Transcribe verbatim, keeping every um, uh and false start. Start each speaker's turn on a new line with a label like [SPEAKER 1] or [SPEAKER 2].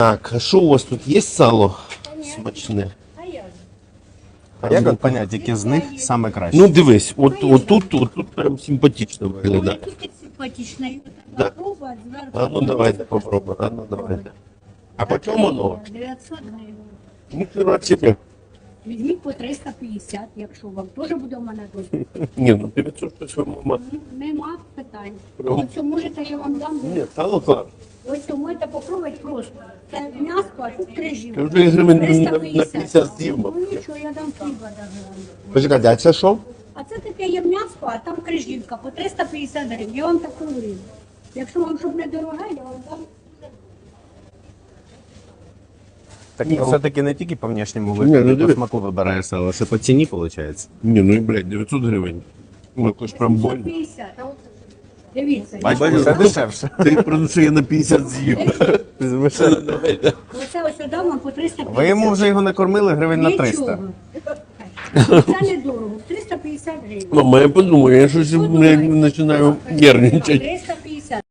[SPEAKER 1] Так, а що у вас тут є сало смачне?
[SPEAKER 2] А як от понять, яке з них саме краще?
[SPEAKER 1] Ну дивись, от, отут, отут прям симпатично виглядає.
[SPEAKER 3] Тут симпатично.
[SPEAKER 1] Да.
[SPEAKER 3] Попробувати зверху.
[SPEAKER 1] А ну давайте попробуємо, а ну давайте. А по чому воно?
[SPEAKER 3] дев'ятсот гривень.
[SPEAKER 1] Ну, коротше,
[SPEAKER 3] Візьміть по триста п'ятдесят, якщо вам теж буде в мене тут.
[SPEAKER 1] ні, ну дев'ятсот щось ви, мама.
[SPEAKER 3] Нема питань.
[SPEAKER 1] Прям.
[SPEAKER 3] Ось можете, я вам дам.
[SPEAKER 1] Ні, сало клас.
[SPEAKER 3] Ось можете попробувати просто. Це м'ясо, а тут крижів.
[SPEAKER 1] Я вже гривень на- на п'ятдесят з'їв,
[SPEAKER 3] Ну
[SPEAKER 1] мабуть.
[SPEAKER 3] нічого, я дам хліба даже.
[SPEAKER 1] Почекайте, а це що?
[SPEAKER 3] А це таке є м'ясо, а там крижівка по триста п'ятдесят гривень. Я вам таку говорю. Якщо вам щоб не дороге, я вам дам.
[SPEAKER 2] Так все-таки не тільки по внешньому
[SPEAKER 1] Ні,
[SPEAKER 2] вигляду,
[SPEAKER 1] ну,
[SPEAKER 2] по
[SPEAKER 1] диви.
[SPEAKER 2] смаку вибираєш сало, ще по ціні виходить.
[SPEAKER 1] Ні, ну і блядь, дев'ятсот гривень. Ну, якось прям больно.
[SPEAKER 3] п'ятдесят. Дивіться. я
[SPEAKER 2] Бачиш,
[SPEAKER 3] вам-
[SPEAKER 2] це дешевше.
[SPEAKER 1] Ти про що я на п'ятдесят з'їв. Давайте.
[SPEAKER 3] Оце ось дам вам по триста п'ятдесят.
[SPEAKER 2] Ви йому вже його накормили гривень на триста.
[SPEAKER 3] Нічого. Це недорого. триста п'ятдесят гривень.
[SPEAKER 1] Мама, я подумаю, я щось блядь, починаю нервничати.
[SPEAKER 3] триста